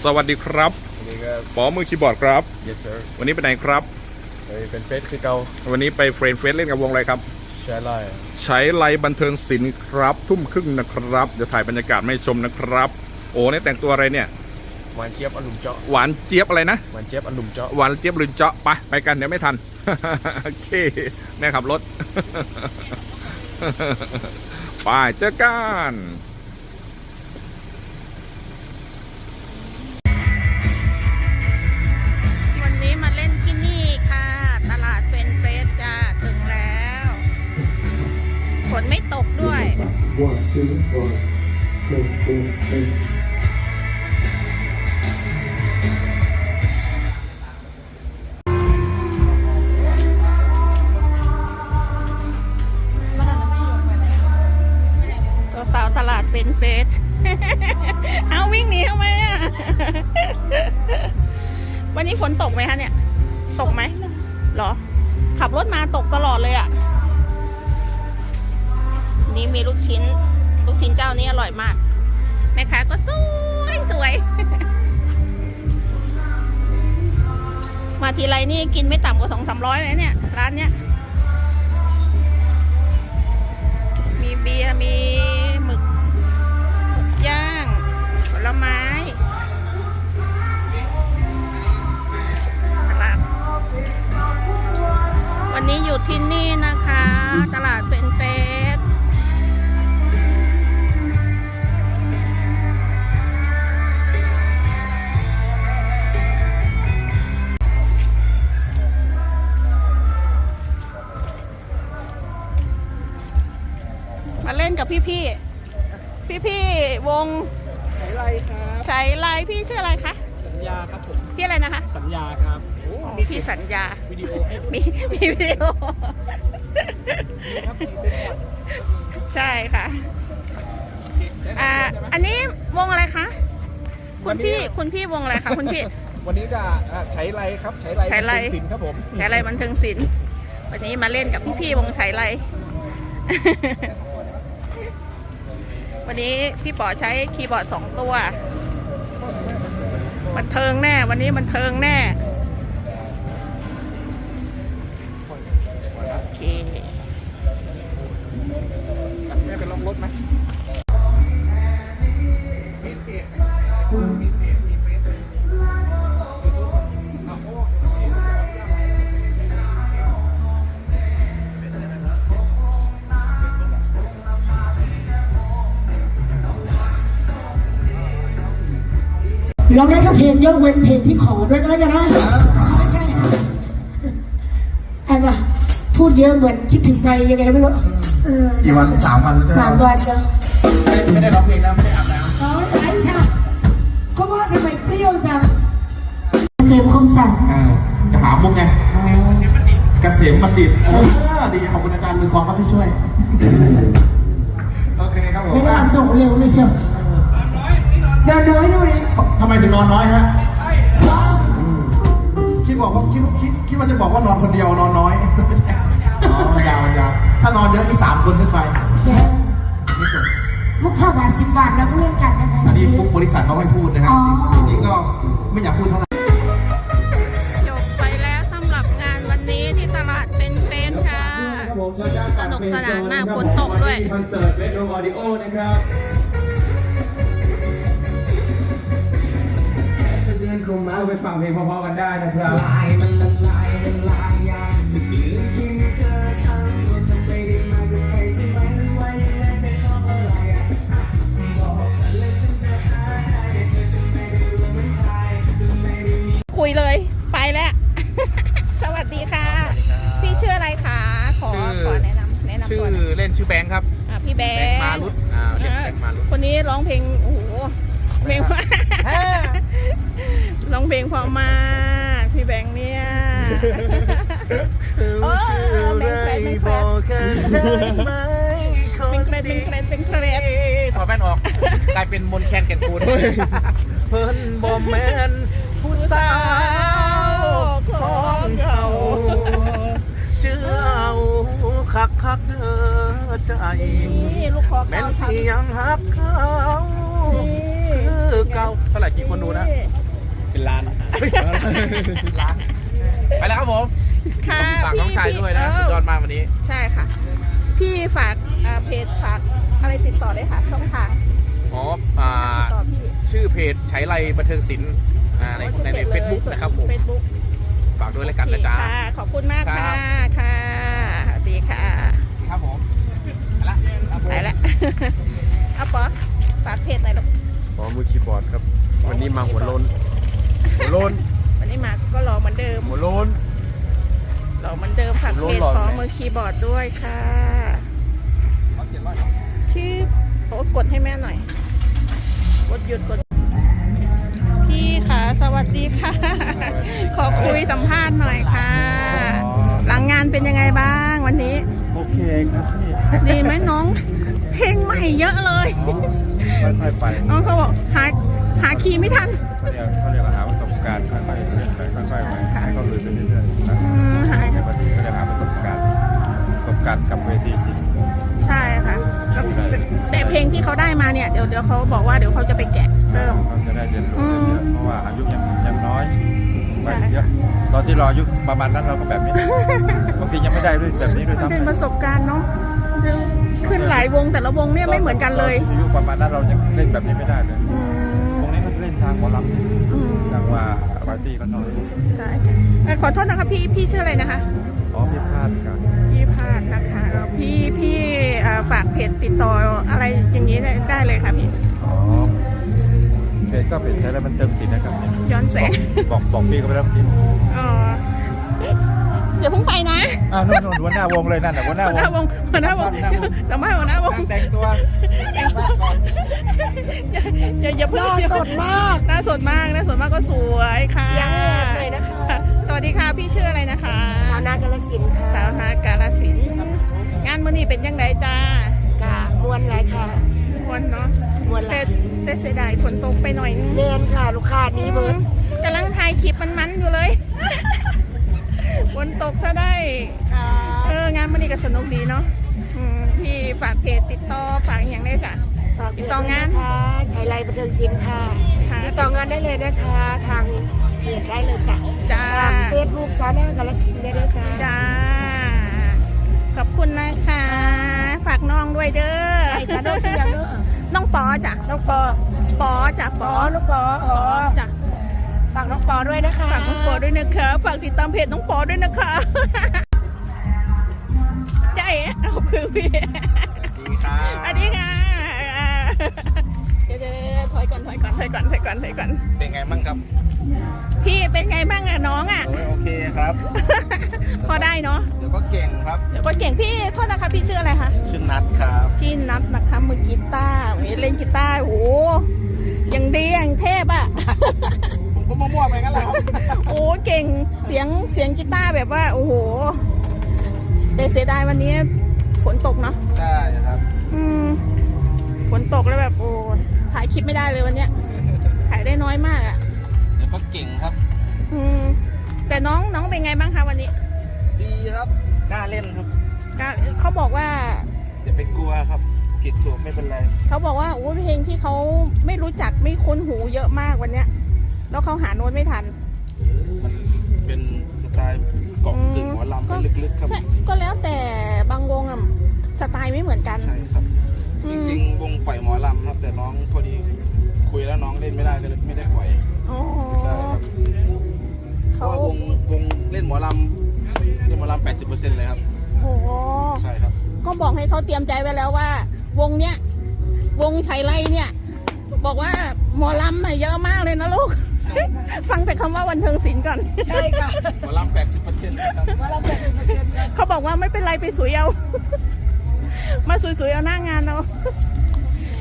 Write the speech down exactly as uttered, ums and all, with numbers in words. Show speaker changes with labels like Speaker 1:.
Speaker 1: สวัสดีครับปอมือคีย์บอร์ดครับ
Speaker 2: Yes sir
Speaker 1: วันนี้ไปไหนครับ
Speaker 2: ไปเป็นเฟสคือเก่า
Speaker 1: วันนี้ไปเฟรนเฟสเล่นกับวงอะไรครับ
Speaker 2: ใช้ไลน์
Speaker 1: ใช้ไลน์บันเทิงศิลป์ครับทุ่มครึ่งนะครับเดี๋ยวถ่ายบรรยากาศไม่ชมนะครับโอ้นี่แต่งตัวอะไรเนี่ย
Speaker 2: หวานเจี๊ยบอลุมเจาะ
Speaker 1: หวานเจี๊ยบอะไรนะ
Speaker 2: หวานเจี๊ยบอลุมเจาะ
Speaker 1: หวานเจี๊ยบลุนเจาะไปไปกันเดี๋ยวไม่ทัน โอเคแม่ขับรถ ไปเจอกัน
Speaker 3: วันนี้มาเล่นที่นี่ค่ะตลาดเฟรนเฟสจ้าถึงแล้วฝนไม่ตกด้วย
Speaker 4: One, two, one. Place, place, place.
Speaker 3: สาวๆตลาดเฟรนเฟส เอาวิ่งหนีทำไมอ่ะ วันนี้ฝนตกไหมคะเนี่ย ตกไหมเหรอ ขับรถมาตกตลอดเลยอ่ะ นี่มีลูกชิ้น ลูกชิ้นเจ้านี้อร่อยมาก แม่ค้าก็สวยสวย มาทีไรนี่กินไม่ต่ำกว่าสองสามร้อยเลยเนี่ย ร้านเนี้ย มีเบียร์มีหมึกหมึกย่างผลไม้ตลาดวันนี้อยู่ที่นี่นะคะ ตลาดเฟรนเฟสมาเล่นกับพี่ๆ พี่ๆ วง
Speaker 5: สายไลครับ
Speaker 3: สายไลพี่ชื่ออะไรคะ
Speaker 5: สัญญาครับผม
Speaker 3: พี่อะไรนะคะ
Speaker 5: สัญญาครับโอ้
Speaker 3: มีพี่สัญญา
Speaker 5: วิดีโอให้
Speaker 3: มีมีวิดีโอ
Speaker 5: ครับมีเป็นก่อน
Speaker 3: ใช่ค่ะ อ่า อันนี้วงอะไรคะ คุณพี่ คุณพี่วงอะไรคะคุณพี่
Speaker 5: วันนี้จะอ่าใช้ไลครับใช้ไล
Speaker 3: ใช้ไล
Speaker 5: เป็นสินครับผม
Speaker 3: ใช้ไรบันเทิงศิลป์วันนี้มาเล่นกับพี่ๆวงใช้ไร วันนี้พี่ป๋อใช้คีย์บอร์ดสองตัว บันเทิงแน่ วันนี้บันเทิงแน่ โอเค
Speaker 5: แม่ไปลองรถไหม
Speaker 6: เราได้ทุกเพลงยกเว้นเพลงที่ขอด้วยก็แล้วกันนะไม่ใช่ไอ้บ้าพูดเยอะเหมือนคิดถึงไปยังไงไม่รู้
Speaker 7: กี่วันสามวันแล้วใช่ไหม
Speaker 6: สามวันแล้ว
Speaker 7: ไม่ได้ร้องเพลงนะไม่ได้อาบน้ำ
Speaker 6: อ๋อไอ้ชาเขาว่าทำไมเปรี้ยวจังเสมคมสัน
Speaker 7: อ่าจะหามุกไงเกษมบัณฑิตเออดีขอบคุณอาจารย์มือคองครับที่ช่วยโอเคครับผม
Speaker 6: ไม่ได้มาส่งเร็วเลยเชียวนอนน้อยด้วย
Speaker 7: ทำไมถึงนอนน้อยฮะคิดบอกว่าคิดคิดคิดว่าจะบอกว่านอนคนเดียวนอนน้อยไม่ใช่อ๋อยาวยาวถ้านอนเยอะที่สามคนขึ้นไปไม่จบ
Speaker 6: มุกห้าบาทสิบบาทแล้วก็เล่นกันนะคะ
Speaker 7: อันนี้ปุ๊บบริษัทเขาให้พูดนะครับจริงๆก็ไม่อยากพูดเท่าไหร่
Speaker 3: จบไปแล้วสำหรับงานวันนี้ที่ตลาดเป็นเฟนค่ะ สนุกสนานมากฝนตกด้วย
Speaker 4: คอนเสิร์ตเรดโนออดิโอนะครับเดือนคงมาไปฟังเพลงเพราะๆกันได้นะครับลายมันละลายละลายยางจะเปลี่ยนที่เธอทำว่าจะไม่ได้มากับใครใช่ไหมมันว่ายังไงไม่ชอบอะไรอ่ะบอกฉันเลยฉันจะหาให้เธอจะไม่ได้รู้เหมือนใครจะไม่ได้มี
Speaker 3: คุยเลยไปแล้ว สวัสดีค่ะ พี่ชื่ออะไรคะขอขอแนะนำแนะนำ
Speaker 5: ชื่อ
Speaker 3: ตัวหน่อย
Speaker 5: เล่นชื่อแบงค์ครับ
Speaker 3: อ่ะพี่แบ
Speaker 5: แบง
Speaker 3: ง
Speaker 5: ค์
Speaker 3: ค์
Speaker 5: มารุตอ่าเรียกแบงค์มารุต
Speaker 3: คนนี้ร้องเพลงโอ้โหเพลงว่า ร้องเพลงเพอมากพี่แบงค์เนี่ยโอ้เป็นแครดเป็นแครดเป็นแครดเป็นแครดเป็นแครด
Speaker 5: ถอดแว่นออกกลายเป็นมนแคนแก่นคูนเพิ่นบอมแมนผู้สาวของเขาเจือเอาคักคักเด้อใจ
Speaker 3: นี่ลูกคอ
Speaker 5: แม่
Speaker 3: เก้าน
Speaker 5: เสียงฮักเขาคือเก้าเท่าไหร่กี่คนดูนะ
Speaker 2: เป็นล้าน
Speaker 5: ล้านไปแล้วครับผม
Speaker 3: ค่ะ
Speaker 5: ฝากน้องชายด้วยนะ
Speaker 3: พี่
Speaker 5: สุดยอดมากวันนี้
Speaker 3: ใช่ค่ะ พี่ฝากอ่าเพจฝากอะไรติดต่อได้ค่ะช่องทาง
Speaker 5: อ๋ออ่า
Speaker 3: ติดต่อพี่
Speaker 5: ชื่อเพจใช้ไรบันเทิงศิลป์อ่าในในในเฟซบุ๊กนะครับผม
Speaker 3: เฟซบุ๊ก
Speaker 5: ฝากด้วยแล้วกันนะจ๊ะ
Speaker 3: ค่ะ ขอบคุณมาก
Speaker 5: ครั
Speaker 3: ค่ะ
Speaker 5: บ
Speaker 3: ค่ะสวัสดีค่ะ
Speaker 5: ครับผมไปละครับผม
Speaker 3: ไปแล้ว เอาปอฝากเพจหน่อยลูก
Speaker 2: ขอมือคีย์บอร์ดครับ วันนี้มาหัวโลนหัวโลน
Speaker 3: วันนี้มาก็รอเหมือนเดิม
Speaker 2: หัวโลน
Speaker 3: รอเหมือนเดิมฝาก
Speaker 2: โล
Speaker 3: เพ
Speaker 2: น
Speaker 3: จ
Speaker 2: หล่อ
Speaker 3: ขอ
Speaker 2: ไหม
Speaker 3: มือคีย์บอร์ดด้วยค่ะชื่อโอ้กดให้แม่หน่อย กดหยุดกด พี่ค่ะ สวัสดีค่ะ ขอคุยสัมภาษณ์หน่อยค่ะ หลังงานเป็นยังไงบ้างวันนี้
Speaker 2: โอเคครับพี่
Speaker 3: ดีไหมน้อง เพลงใหม่เยอะเลย
Speaker 2: ค่อยๆไป
Speaker 3: น้องเขาบอกหาหาคีย์ไม่ทัน
Speaker 2: เขาเรียกเขาเรียกหาประสบการณ์ค่อยๆไปค่อยๆไปให้เขาลุยไปเรื่อยๆนะ
Speaker 3: อืมหา
Speaker 2: ในวันนี้ก็จะหาประสบการณ์ประสบการณ์กับเวทีจริง
Speaker 3: ใช่ค่ะแล้วแต่แต่เพลงที่เขาได้มาเนี่ยเดี๋ยวเดี๋ยวเขาบอกว่าเดี๋ยวเขาจะไปแกะเริ่ม
Speaker 2: เขาจะได้เรียนรู้เยอะๆเพราะว่าอายุยังยังน้อยไป
Speaker 3: ใช่
Speaker 2: เยอะตอนที่เราอายุประมาณนั้นเราก็แบบนี้บางทียังไม่ได้ด้วยแบบนี้ด้วย
Speaker 3: มัน
Speaker 2: ซ้ำ
Speaker 3: เป็นประสบการณ์เนาะขึ้นหลายวงแต่ละวงเนี่ยไม่เหมือนกันเลย
Speaker 2: อายุประมาณนั้นเรายังเล่นแบบนี้ไม่ได้เลย
Speaker 3: อืม
Speaker 2: วงนี้มันเล่นทางหมอล
Speaker 3: อืม
Speaker 2: ำทางว่าปาร์ตี้ก็น้อย
Speaker 3: ใช่เอ่อขอโทษนะคะพี่พี่ชื่ออะไรนะคะ
Speaker 2: อ๋อพี่พลาดกัน
Speaker 3: พี่พาดนะคะพี่พี่เอ่อฝากเพจติดต่ออะไรอย่างนี้ได้ได้เลยค่ะพี่
Speaker 2: อ๋อเพจก็เพจใช้แล้วมันเติมสินนะครับ
Speaker 3: ย้อนแสง
Speaker 2: บอกบอกพี่ก็ไปแล้วพี่
Speaker 3: อ๋อเดี๋ยวเพิ่งไปนะ
Speaker 2: อ้าวนู่นนู่นหัวหน้าวงเลยนั่นแหละหัวหน้า
Speaker 3: หัวหน้าวงหัวหน้าวงแต่ไม่หัวหน้าวง
Speaker 2: แต่งตัว
Speaker 3: อย่าอย่าเพิ่ง
Speaker 6: หน้าสดมาก
Speaker 3: หน้าสดมากหน้าสดมากก็สวยค่ะ
Speaker 6: เสียงแหบเลยนะคะ
Speaker 3: สวัสดีค่ะพี่ชื่ออะไรนะคะ
Speaker 6: สาวนากาลสินธุ์ค่ะ
Speaker 3: สาวนากาลสินธุ์งานมื้อนี้เป็นยังไงจ้าก
Speaker 6: ะมวนหลายค่ะ
Speaker 3: มวนเนาะ
Speaker 6: มวนห
Speaker 3: แต่
Speaker 6: ลาย
Speaker 3: แต่เสียดายฝนตกไปหน่อยนึง
Speaker 6: เรียนค่ะลูกค้านี้เบิร์ด
Speaker 3: กำลังถ่ายคลิปมันๆอยู่เลย ฝนตกซะได้
Speaker 6: ค่ะ
Speaker 3: เอองานมื้อนี้ก็สนุกดีเนาะอืมพี่ฝากเพจติดต่อฝากอย่างได้จ้ะ
Speaker 6: ฝาก
Speaker 3: ติดต่องาน
Speaker 6: ค่ะใช้ไลน์บันเทิงศิลป์ค่ะ
Speaker 3: ค่ะ
Speaker 6: ติดต่องานได้เลยนะคะ ทางเพจได้เลยจ้ะ
Speaker 3: จ้า
Speaker 6: ทางเฟซบุ๊กสาวนากาลสินธุ์ได้เลยจ้ะ
Speaker 3: จ้า ขอบคุณนะคะ ฝากน้องด้วยเด้อ
Speaker 6: ใช่จ้ะน้องเสียงเด้อ
Speaker 3: น้องปอจ้ะ
Speaker 6: น้องปอ
Speaker 3: ปอจ้ะป
Speaker 6: ป
Speaker 3: อ
Speaker 6: อลูกปอ
Speaker 3: ป
Speaker 6: อ๋อ
Speaker 3: อจ้ะ
Speaker 6: ฝากน้องปอด้วยนะคะ
Speaker 3: ฝากน้องปอด้วยนะคะ ฝากติดตามเพจน้องปอด้วยนะคะใจเอาคือพี่
Speaker 5: ดีครับ
Speaker 3: อันนี้ค่ะอ่าเดี๋ยวๆถอยก่อนถอยก่อนถอยก่อนถอยก่อนถอยก่อน
Speaker 5: เป็นไงบ้างครับ
Speaker 3: พี่เป็นไงบ้างอะน้องอะ
Speaker 5: โอ้ยโอเคครับ
Speaker 3: พอได้เนาะ
Speaker 5: เดี๋ยวก็เก่งครับ
Speaker 3: เดี๋ยวก็เก่งพี่โทษนะคะพี่ชื่ออะไรคะ
Speaker 5: ชื่อนัทครับ
Speaker 3: พี่นัทนะคะมือกีตาร์มีเล่นกีตาร์โอ้โหยังดีอย่างเทพอะ
Speaker 5: ผมก็มั่วๆไปงั้นแหละครับ
Speaker 3: โอ้เก่งเสียงเสียงกีตาร์แบบว่าโอ้โหแต่เสียดายวันนี้ฝนตกเนาะ
Speaker 5: ใช่ครับ
Speaker 3: อืมฝนตกแล้วแบบโอ้ถ่ายคลิปไม่ได้เลยวันเนี้ยถ่ายได้น้อยมากอะ
Speaker 5: เดี๋ยวก็เก่งครับ
Speaker 3: อืมแต่น้องน้องเป็นไงบ้างคะวันนี้
Speaker 5: ดีครับ กล้าเล่นครับ
Speaker 3: ก็เขาบอกว่า
Speaker 5: อย่าไปกลัวครับผิดถูกไม่เป็นไร
Speaker 3: เขาบอกว่าโอ้เพลงที่เขาไม่รู้จักไม่คุ้นหูเยอะมากวันเนี้ยแล้วเขาหาโน้ตไม่ทัน
Speaker 5: มันเป็นสไตล์เกาะกึ่งหมอลำไปลึกๆครับ
Speaker 3: ใช่ก็แล้วแต่บางวงอะสไตล์ไม่เหมือนกัน
Speaker 5: ใช่ครับ
Speaker 3: อื
Speaker 5: จ
Speaker 3: ม
Speaker 5: ริงๆวงปล่อยหมอลำครับ แต่น้องพอดีคุยแล้วน้องเล่นไม่ได้ก็เลยไม่ได้ปล่อย
Speaker 3: อ๋อ
Speaker 5: ใช่ครับ เพ
Speaker 3: เขา
Speaker 5: ราะว่าวงวงเล่นหมอลำเล่นหมอลำแปดสิบเปอร์เซ็นต์เลยครับ
Speaker 3: โอ้โห
Speaker 5: ใช่ครับ
Speaker 3: ก็บอกให้เขาเตรียมใจไว้แล้วว่า วงเนี้ย วงชัยไล่เนี่ย บอกว่าหมอลำน่ะเยอะมากเลยนะลูก ฟังแต่คำว่าวันเทิงศิลป์ก่อน
Speaker 6: ใช่ค่ะ
Speaker 5: หมอลำแปดสิบเปอร์เซ็นต์ครับ
Speaker 6: ว่าเราเป็นเปอร์เซ็นต์กัน
Speaker 3: เขาบอกว่าไม่เป็นไรไปสวยเอา มาสวยๆเอาหน้างานเอา